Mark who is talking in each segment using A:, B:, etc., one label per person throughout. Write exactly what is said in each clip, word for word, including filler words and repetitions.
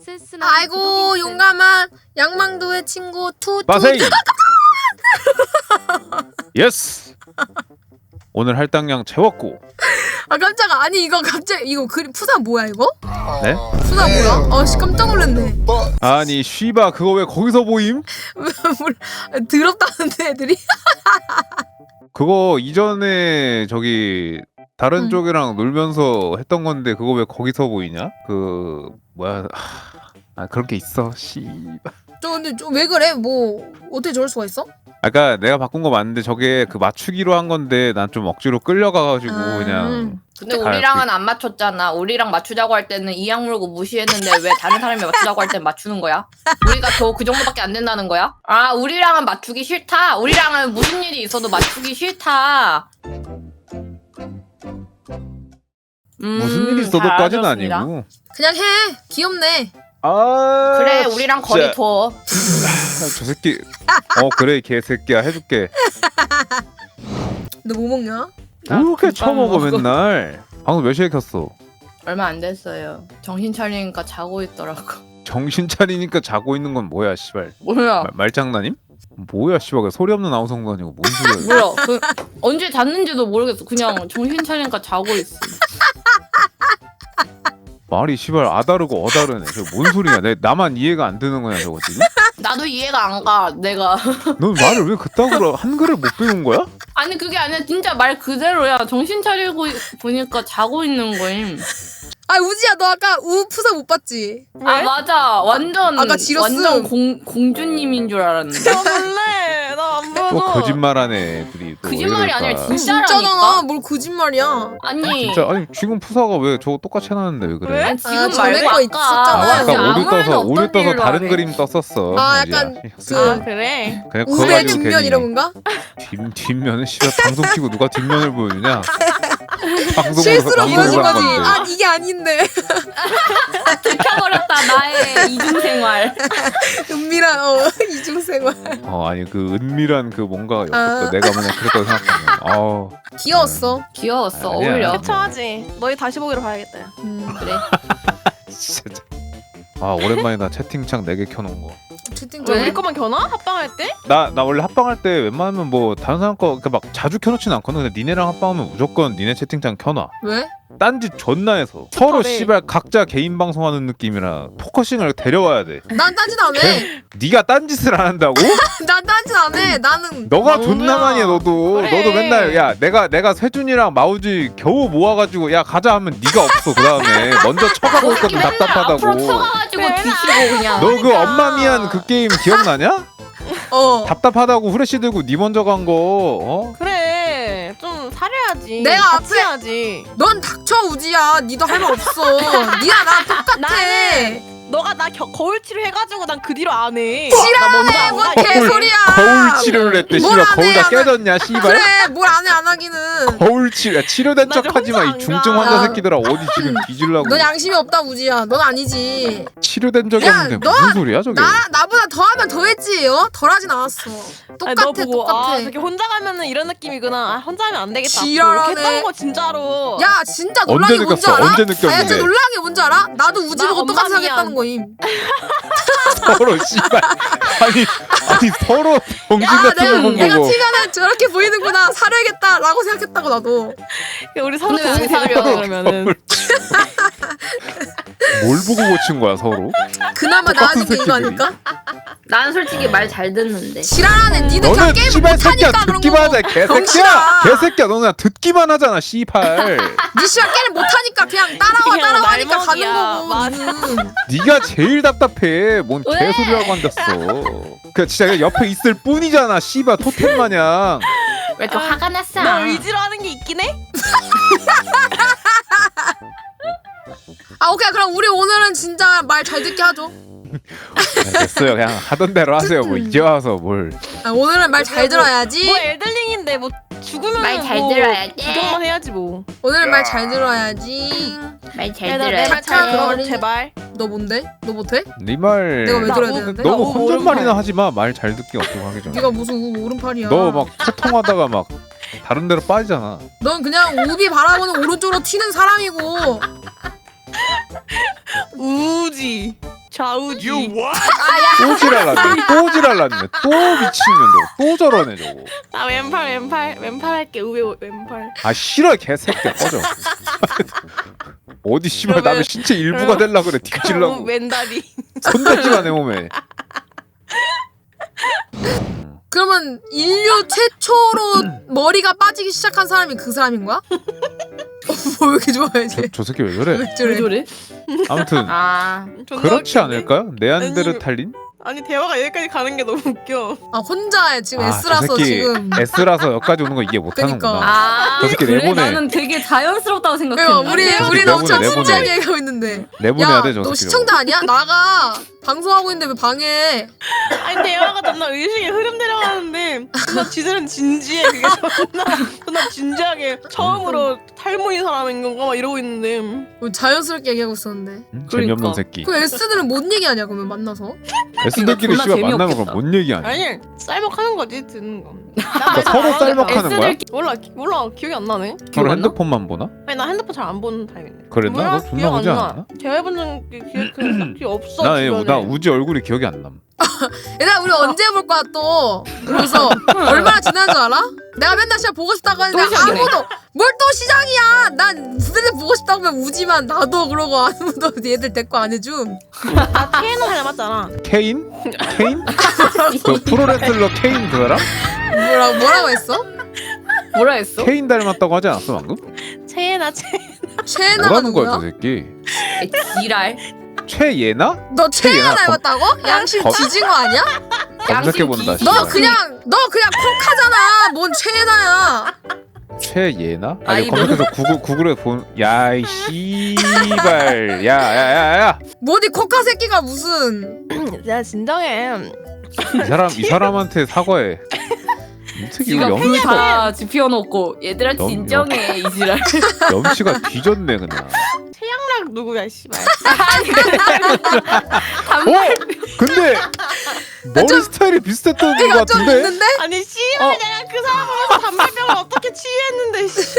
A: 센스나.
B: 아이고 용감한 양망도의 친구 투.
C: 마세이. 예스. 오늘 할당량 채웠고.
B: 아 깜짝아. 아니 이거 갑자기 이거 그림 푸사 뭐야 이거?
C: 네?
B: 푸사 뭐야? 아씨 깜짝 놀랐네.
C: 아니 쉬바 그거 왜 거기서 보임?
B: 뭘 더럽다는데 애들이?
C: 그거 이전에 저기 다른
B: 응.
C: 쪽이랑 놀면서 했던 건데 그거 왜 거기서 보이냐? 그 뭐야? 아 그런 게 있어. 씨바.
B: 저 근데 좀 왜 그래? 뭐 어떻게 저럴 수가 있어?
C: 아까 내가 바꾼 거 맞는데 저게 그 맞추기로 한 건데 난 좀 억지로 끌려가가지고
B: 음.
C: 그냥.
D: 근데
C: 아,
D: 우리랑은 안 맞췄잖아. 우리랑 맞추자고 할 때는 이악 물고 무시했는데 왜 다른 사람이 맞추자고 할 땐 맞추는 거야? 우리가 더 그 정도밖에 안 된다는 거야? 아 우리랑은 맞추기 싫다. 우리랑은 무슨 일이 있어도 맞추기 싫다. 음,
C: 무슨 일이 있어도까지는 아니고.
B: 그냥 해. 귀엽네.
C: 아
D: 그래 우리랑 거리
C: 진짜.
D: 둬.
C: 저 새끼. 어 그래 개새끼야 해줄게.
B: 너 뭐 먹냐?
D: 나
C: 이렇게
D: 금방
C: 처먹어
D: 먹어.
C: 맨날. 방금 몇 시에 켰어?
D: 얼마 안 됐어요. 정신 차리니까 자고 있더라고.
C: 정신 차리니까 자고 있는 건 뭐야 씨발.
D: 뭐야?
C: 말, 말장난임? 뭐야 씨발 그 소리 없는 아우성도 아니고 뭔 소리야.
D: 뭐야? 그 언제 잤는지도 모르겠어. 그냥 정신 차리니까 자고 있어.
C: 말이 씨발 아다르고 어다르네. 저 뭔 소리야? 내 나만 이해가 안 되는 거야 저거 지금?
D: 나도 이해가 안 가. 내가.
C: 넌 말을 왜 그따구로 한글을 못 배운 거야?
D: 아니 그게 아니라 진짜 말 그대로야. 정신 차리고 보니까 자고 있는 거임.
B: 아 우지야 너 아까 우 푸사 못 봤지?
D: 아 맞아. 완전
B: 아까 지렸음.
D: 완전 공 공주님인 줄 알았는데.
A: 나 몰래. 나안 보여.
C: 또 거짓말하네 애들이. 또 왜
D: 거짓말이
C: 그럴까?
D: 아니라 진짜라니까.
B: 진짜잖아. 뭘 거짓말이야?
D: 아니.
C: 진짜 아니 지금 푸사가 왜 저거 똑같이 해놨는데 왜 그래?
A: 왜?
D: 아니, 지금
B: 아,
D: 말고
B: 전에 거
D: 아까
B: 있었잖아.
C: 아,
D: 진짜
C: 아까
D: 아무
C: 오류
D: 말도
C: 떠서
D: 없던
C: 오류 떠서
D: 일로
C: 다른
D: 하네.
C: 그림 떴었어.
B: 아,
C: 우지야.
B: 약간
C: 그,
A: 아 그래?
C: 그냥 그거
B: 우배
C: 가지고
B: 뒷면
C: 괜히
B: 이런 건가?
C: 뒷, 뒷면은 씨발 방송 키고 누가 뒷면을 보여주냐? 방송으로
B: 실수로
C: 방송을
B: 보여준
C: 한
B: 거지.
C: 건데.
B: 아 이게 아닌데.
D: 들켜버렸다 나의 이중생활.
B: 은밀한 어 이중생활.
C: 어 아니 그 은밀한 그 뭔가 였었다.
B: 아.
C: 내가 만약 그랬다고 생각하면 아우
B: 귀여웠어.
D: 귀여웠어.
C: 아니야.
D: 어울려.
A: 해쳐하지. 너희 다시 보기로 봐야겠다.
B: 음.
D: 그래.
C: 진짜. 아 오랜만이다 채팅창 네 개 켜놓은 거.
B: 채팅
D: 왜?
A: 우리
B: 좀.
A: 거만 겨나? 합방할 때?
C: 나 나 원래 합방할 때 웬만하면 뭐 다른 사람 거 그러니까 막 자주 켜놓진 않거든. 근데 니네랑 합방하면 무조건 니네 채팅창 켜놔.
B: 왜?
C: 딴짓 존나 해서 서로
A: 네.
C: 씨발 각자 개인 방송하는 느낌이라 포커싱을 데려와야 돼.
B: 난 딴짓 안 해.
C: 네가 딴짓을 안 한다고?
B: 난 딴짓 안 해. 나는
C: 너가
A: 망구야.
C: 존나 많이 해 너도.
A: 그래.
C: 너도 맨날 야 내가 내가 세준이랑 마우지 겨우 모아가지고 야 가자 하면 네가 없어 그 다음에 먼저 쳐가고 있거든
D: 맨날 앞으로
C: 답답하다고.
D: 쳐가가지고
A: 그래,
D: 뒤지고 그냥.
C: 너 그
A: 그러니까.
C: 엄마 미안 그 게임 기억나냐?
B: 어.
C: 답답하다고 후레쉬 들고 니 먼저 간 거. 어?
A: 그래. 좀 사려야지.
B: 내가
A: 같이
B: 앞에-
A: 해야지.
B: 넌 닥쳐 우지야. 니도 할 말 없어. 니랑 나랑 똑같아.
A: 나는 너가 나 겨, 거울칠을 해가지고 난 그 뒤로 안 해.
B: 싫어.
A: 나 먼저 안
B: 뭔
A: 가.
B: 개소리야.
C: 거울 치료를 했대.
B: 뭘
C: 씨발
B: 안
C: 거울
B: 해,
C: 다
B: 안 해.
C: 깨졌냐 씨발.
B: 그래 뭘 안 해 안 하기는.
C: 거울 치료 야, 치료된
A: 나 이제
C: 척하지 마
A: 혼자
C: 이
A: 안
C: 중증
A: 가.
C: 환자 새끼들아 어디 지금 뒤질라고.
B: 넌 양심이 없다 우지야. 넌 아니지.
C: 치료된 적이
B: 야,
C: 없는데
B: 너-
C: 무슨 소리야 저게.
B: 나 나보다 더하면 더했지. 어? 덜하진 않았어. 똑같아
A: 아니, 너 보고
B: 똑같아.
A: 아 저렇게 혼자 가면은 이런 느낌이구나. 아, 혼자 하면 안 되겠다.
B: 지랄하네.
A: 그렇게 했던 거 진짜로.
B: 야 진짜
C: 언제
B: 놀란 게 뭔지
C: 느꼈어?
B: 알아?
C: 언제
B: 아, 야,
C: 느꼈는데?
B: 진짜 놀란 게 뭔지 알아? 나도 우지
A: 나
B: 보고
A: 엄마
B: 똑같이
A: 미안.
B: 하겠다는 거임.
C: 서로 씨발 아니 아니 서로 정신
B: 아
C: 같은
B: 내가
C: 거본
B: 내가
C: 거고.
B: 티가는 저렇게 보이는구나 사려야겠다라고 생각했다고 나도.
A: 우리 서로
D: 근데 왜
A: 도움이
D: 사려?
A: 되겠다 그러면은.
C: 뭘 보고 고친 거야 서로?
B: 그나마
C: 똑같은
B: 나아진 게 이거
C: 새끼들이.
B: 아닐까?
D: 난 솔직히 말 잘 듣는데.
B: 지랄하네. 니들 그냥
C: 너는
B: 게임을
C: 씨발 새끼야
B: 못하니까 그런
C: 듣기만
B: 거고.
C: 하자 개새끼야.
B: 병신아.
C: 개새끼야 너는 그냥 듣기만 하잖아 씨발.
B: 니 씨발 게임 못하니까 그냥 따라와
A: 그냥
B: 따라와 하니까 가는
A: 날먹이야.
B: 거고.
A: 맞아.
B: 니는.
C: 네가 제일 답답해. 뭔
D: 왜?
C: 개소리라고 앉았어. 그 진짜 그냥 옆에 있을 뿐이잖아 씨발 토템 마냥.
D: 왜 또 화가 났어?
A: 나 의지로 하는 게 있긴 해?
B: 아 오케이 그럼 우리 오늘은 진짜 말 잘 듣게 하죠.
C: 네, 됐어요 그냥 하던 대로 하세요. 뭐 이제 와서 뭘.
B: 아, 오늘은 말 잘 들어야지.
A: 뭐 엘들링인데 뭐 죽으면
D: 말 잘
A: 뭐
D: 들어야지.
A: 구경만 해야지 뭐.
B: 오늘은 말 잘 들어야지.
D: 말 잘
A: 얘들아
D: 들어야
A: 내말 잘
B: 착한
A: 들어
B: 어린이.
A: 제발.
B: 너 뭔데? 너 못해?
C: 네 말.
B: 내가 왜
A: 나
B: 들어야
A: 뭐-
B: 되는데?
A: 나
C: 너무
A: 오-
C: 혼잣말이나
A: 오른팔.
C: 하지 마. 말 잘 듣기 어떻게 하기 전에.
B: 네가 무슨 우- 오른팔이야.
C: 너 막 소통하다가 막 다른 데로 빠지잖아.
B: 넌 그냥 우비 바라보는 오른쪽으로 튀는 사람이고.
A: 우지. 좌우지.
C: 또 지랄났네. 또 지랄났네. 또 미친년 저거. 또 저러네 저거.
A: 나 왼팔 왼팔 왼팔 할게. 우회 왼팔.
C: 아 싫어 개새끼야 꺼져. 어디 씨발
A: 그러면-
C: 남의 신체 일부가 될라 그래 뒤질라고.
A: 왼다리.
C: 손대지마 내 몸에.
B: 그러면 인류 최초로 머리가 빠지기 시작한 사람이 그 사람인 거야? 어, 뭐 이렇게 좋아해
C: 저,
B: 쟤?
C: 저 새끼 왜 저래?
B: 왜
D: 왜
B: 저래?
D: 저래?
C: 아무튼
D: 아
A: 존나
C: 그렇지
A: 웃기네.
C: 않을까요? 네안데르탈린?
A: 아니 대화가 여기까지 가는 게 너무 웃겨.
B: 아 혼자 지금
C: 아, 저
B: S라서
C: 새끼
B: 지금
C: S라서 여기까지 오는 거 이해 못하는구나.
B: 그러니까.
D: 아,
C: 저 새끼
D: 그래?
C: 내보내.
D: 나는 되게 자연스럽다고
B: 그러니까
D: 생각했는데.
B: 우리
A: 저
B: 우리
C: 새끼
B: 엄청
C: 내보내,
B: 진지하게
C: 내보내.
B: 얘기하고 있는데
C: 내보내야
B: 야
C: 돼 저
B: 너
C: 새끼.
B: 시청자 아니야? 나가 방송하고 있는데 왜 방해해?
A: 아니 대화가 존나 의식의 흐름 데려가는데 존나 지들은 진지해. 그게 존나 존나 진지하게 처음으로 탈모인 사람인 건가 막 이러고 있는데.
B: 뭐 자연스럽게 얘기하고 있었는데
C: 응?
D: 그러니까.
C: 재미없는 새끼.
B: 그 S들은 뭔 얘기하냐 그러면 만나서?
C: S들끼리
D: 존나
C: 씨발 만나면
D: 재미없겠다.
C: 그럼 뭔 얘기 아니야?
A: 아니 쌀먹하는 거지 듣는 거.
C: 그러니까 서로 쌀먹하는 거야?
A: 몰라 기- 몰라 기억이 안 나네.
C: 서로 핸드폰만 보나?
A: 아니 나 핸드폰 잘 안 보는 타입인데.
C: 그랬나?
A: 몰라?
C: 너 존나
A: 기억 안
C: 보지
A: 나.
C: 않았나?
A: 대화해본 적 기억 그 딱히 없어.
C: 나, 얘-
A: 주변에.
C: 나 우지 얼굴이 기억이 안 남.
B: 얘들아 우리 언제 볼 거야 또? 그래서 얼마나 지난 줄 알아? 내가 맨날 시작 보고 싶다고 하는데
D: 또 시작이네.
B: 아무도 뭘 또 시작이야? 난 후대들 보고 싶다고 하면 우지만 나도 그러고 아무도 얘들 데리고 안 해줌.
A: 나 테이너 닮았잖아.
C: 케인? 케인? 그 프로레슬러 케인 그 사람?
B: 뭐라고 뭐라고 했어?
D: 뭐라 했어?
C: 케인 닮았다고 하지 않았어 방금?
A: 체나 체.
B: 최애나가
C: 뭐라는 거야
B: 누구야?
C: 저 새끼?
D: 에, 지랄.
C: 최예나?
B: 너 최애나
C: 최애나
B: 닮았다고? 양심
C: 거-
B: 뒤진 거 아니야?
C: 검색해본다
D: 양심
B: 너
C: 씨발.
B: 그냥 너 그냥 콕하잖아. 뭔 최애나야?
C: 최예나? 아니
D: 아이돌.
C: 검색해서 구글, 구글에 본 야이 씨발 야야야야
B: 뭐니 콕하 새끼가 무슨?
A: 야 진정해.
C: 이 사람 이 사람한테 사과해. 이 새끼 이거
D: 지가
C: 염치가
D: 불다 지피워놓고 얘들아
C: 염-
D: 진정해 이 지랄.
C: 염치가 뒤졌네 그냥.
A: 최양락 누구야 씨발.
C: 어? 근데 머리 스타일이 비슷했던 것
B: 내가 좀
C: 같은데?
B: 있는데?
A: 아니 씨발
D: 어.
A: 내가 그 사람 보면서 담배병을 어떻게 치유했는데 씨.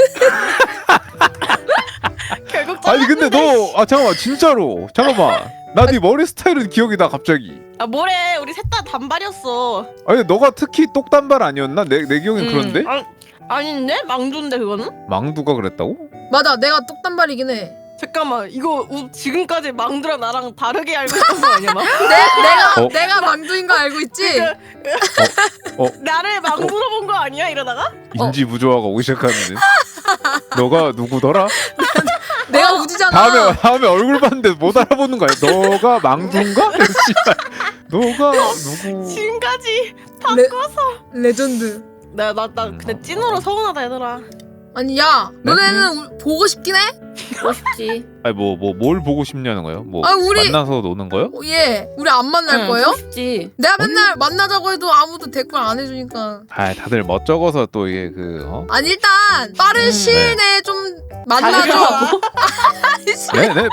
A: 결국
C: 아니 근데 너 아 잠깐만 진짜로 잠깐만 나 네 머리 스타일은 기억이 나 갑자기.
A: 아 뭐래 우리 셋 다 단발이었어.
C: 아니 너가 특히 똑단발 아니었나? 내, 내 기억엔
D: 음.
C: 그런데?
A: 아, 아닌데 망조인데 그거는?
C: 망두가 그랬다고?
B: 맞아 내가 똑단발이긴 해.
A: 잠깐만 이거 우, 지금까지 망두랑 나랑 다르게 알고 있던 거 아니야 막?
B: 내, 내가
C: 어?
B: 내가 망두인 거 알고 있지?
C: 어?
A: 나를 망두로 본 거 아니야 이러다가?
C: 인지 부조화가 오기 시작하는데 너가 누구더라?
B: 내가 우지잖아.
C: 다음에 다음에 얼굴 봤는데 못 알아보는 거야. 너가 망두인가? 씨발. 너가 누구?
A: 지금까지
B: 레,
A: 바꿔서
B: 레전드.
A: 나 나 나 근데 찐으로 서운하다 얘들아.
B: 아니 야
C: 네?
B: 너네는 우- 보고 싶긴 해?
D: 보고 싶지.
C: 아니 뭐 뭐 뭘 보고 싶냐는 거예요? 뭐
B: 아, 우리-
C: 만나서 노는 거요?
B: 어, 예 우리 안 만날
D: 응,
B: 거예요?
D: 보고 싶지.
B: 내가 맨날 만나자고 해도 아무도 댓글 안 해주니까.
C: 아 다들 멋쩍어서 또 이게 그 어?
B: 아니 일단 빠른
D: 음,
B: 시일 내에 좀 만나줘.
D: 자기가
C: 네네.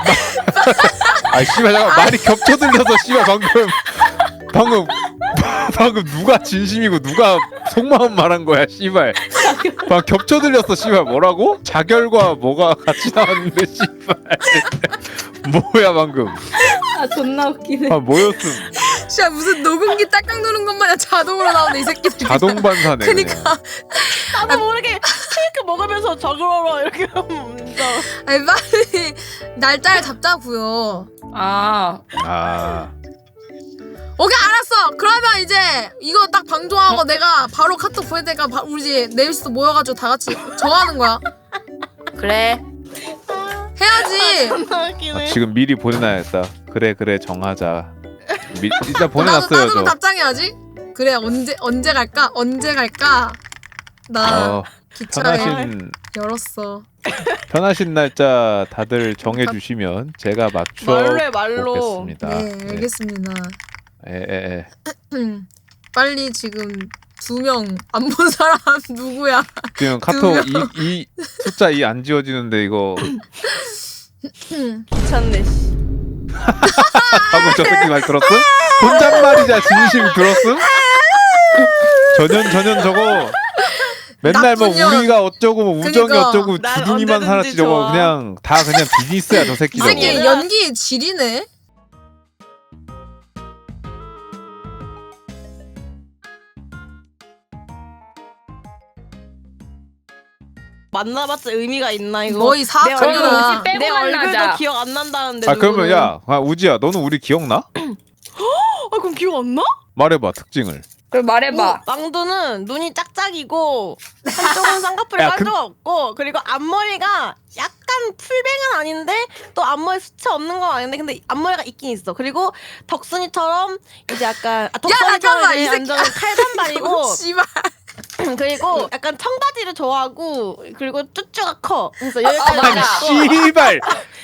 C: 아 씨발 잠깐 말이 겹쳐 들려서 씨발 방금 방금 방금 누가 진심이고 누가 속마음 말한 거야 씨발. 방 겹쳐 들렸어 씨발 뭐라고? 자결과 뭐가 같이 나왔는데 씨발. 뭐야 방금?
D: 아 존나 웃기네.
C: 아 뭐였음?
B: 진짜 무슨 녹음기 딱딱 누른 것마냥 자동으로 나오네 이 새끼들.
C: 자동 반사네.
B: 그니까.
A: 나도 모르게 케이크 먹으면서 저그러러 이렇게 하면 진짜.
B: 아니 빨리 날짜를 잡자고요.
D: 아
C: 그냥. 아
B: 오케이 알았어. 그러면 이제 이거 딱 방송하고 내가 바로 카톡 보낼 테니까 바- 우리 이제 내일부터 모여가지고 다 같이 정하는 거야.
D: 그래.
B: 해야지.
A: 존나
C: 아,
A: 웃기네.
C: 지금 미리 보내놔야겠다. 그래 그래 정하자. 미, 일단
B: 나도
C: 보내놨어요
B: 나도
C: 저.
B: 답장해야지. 그래 언제 언제 갈까? 언제 갈까? 나
C: 어,
B: 기차에
C: 편하신
B: 열었어.
C: 편하신 날짜 다들 정해주시면 제가 맞춰
A: 말로 해, 말로.
C: 보겠습니다.
B: 네 알겠습니다.
C: 에에에.
B: 빨리 지금 두 명 안 본 사람 누구야?
C: 지금 카톡 이, 이 숫자 이 안 지워지는데 이거
A: 귀찮네 씨.
C: 방금 저 새끼 말 들었음? 혼잣말이자 진심 들었음? 전현 전현 저거 맨날 뭐
B: 나쁜 년.
C: 우리가 어쩌고 뭐 우정이
B: 그니까.
C: 어쩌고
A: 난
C: 주둥이만
A: 언제든지
C: 살았지 저거
A: 좋아.
C: 그냥 다 그냥 비즈니스야 저 새끼
B: 이
C: 저거.
B: 새끼 연기 지리네.
A: 만나봤자 의미가 있나 이거.
B: 너희 사악
A: 내
D: 그러면
A: 얼굴-
B: 걸려라.
D: 우지 빼고
A: 내 얼굴도
D: 만나자.
A: 기억 안 난다는데.
C: 아 그러면
A: 누구는.
C: 야 아, 우지야 너는 우리 기억나?
A: 아 그럼 기억 안 나?
C: 말해봐 특징을.
D: 그럼 말해봐.
A: 망두는 눈이 짝짝이고 한쪽은 쌍꺼풀이
C: 야,
A: 깔짝 없고 그리고 앞머리가 약간 풀뱅은 아닌데 또 앞머리 수치 없는 건 아닌데 근데 앞머리가 있긴 있어. 그리고 덕순이처럼 이제 약간 아,
B: 잠깐만,
A: 덕순이처럼
B: 이
A: 이제
B: 새끼.
A: 완전 칼단발이고
B: 씨발.
A: 그리고 약간 청바지를 좋아하고 그리고 쭈쭈가 커. 그래서
D: 아,
A: 여기까지
D: 맞아.
A: 있고
C: 씨발